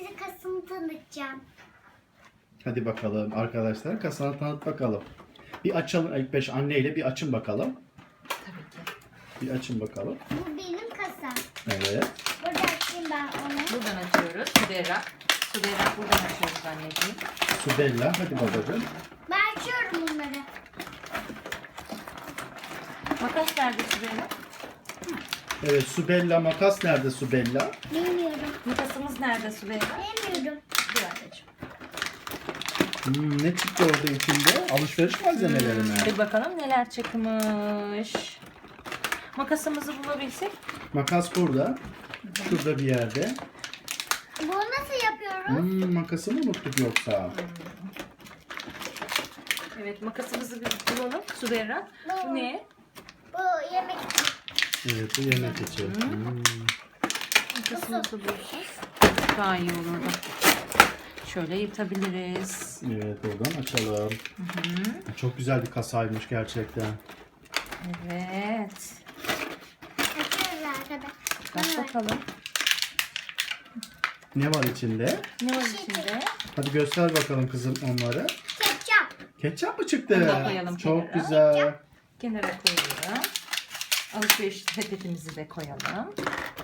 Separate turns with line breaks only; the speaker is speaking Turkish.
size kasımı tanıtacağım.
Hadi bakalım arkadaşlar, kasanı tanıt bakalım. Bir açalım ilk beş anneyle bir açın bakalım.
Tabii ki.
Bir açın bakalım.
Bu benim kasam.
Evet.
Burada açayım ben onu.
Buradan açıyoruz. Suderak. Suderak buradan açıyoruz anneciğim.
Subella, hadi babacığım.
Ben açıyorum bunları.
Makas nerede Suderak?
Evet, Subella makas nerede Subella?
Bilmiyorum.
Makasımız nerede Suderak?
Bilmiyorum.
Dur anneciğim.
Ne çıktı orada içinde? Alışveriş malzemeleri mi?
Bir bakalım neler çıkmış. Makasımızı bulabilsek.
Makas burada. Şurada bir yerde.
Bunu nasıl yapıyoruz?
Makası mı unuttuk yoksa?
Evet, makasımızı bir bulalım Suderak. Bu ne?
Bu yemek için.
Evet, bu yemek için.
Makasımızı bulursak daha iyi olurdu. Şöyle yırtabiliriz.
Evet, oradan açalım. Çok güzel bir kasaymış gerçekten.
Evet.
Açıyoruz arkadaşlar.
Bak bakalım.
Ne var içinde?
Ne var içinde?
Hadi göster bakalım kızım onları.
Ketçap.
Ketçap mı çıktı?
Onu da koyalım
Çok
kenara.
güzel.
Kenara koyalım. Alışveriş sepetimizi de koyalım.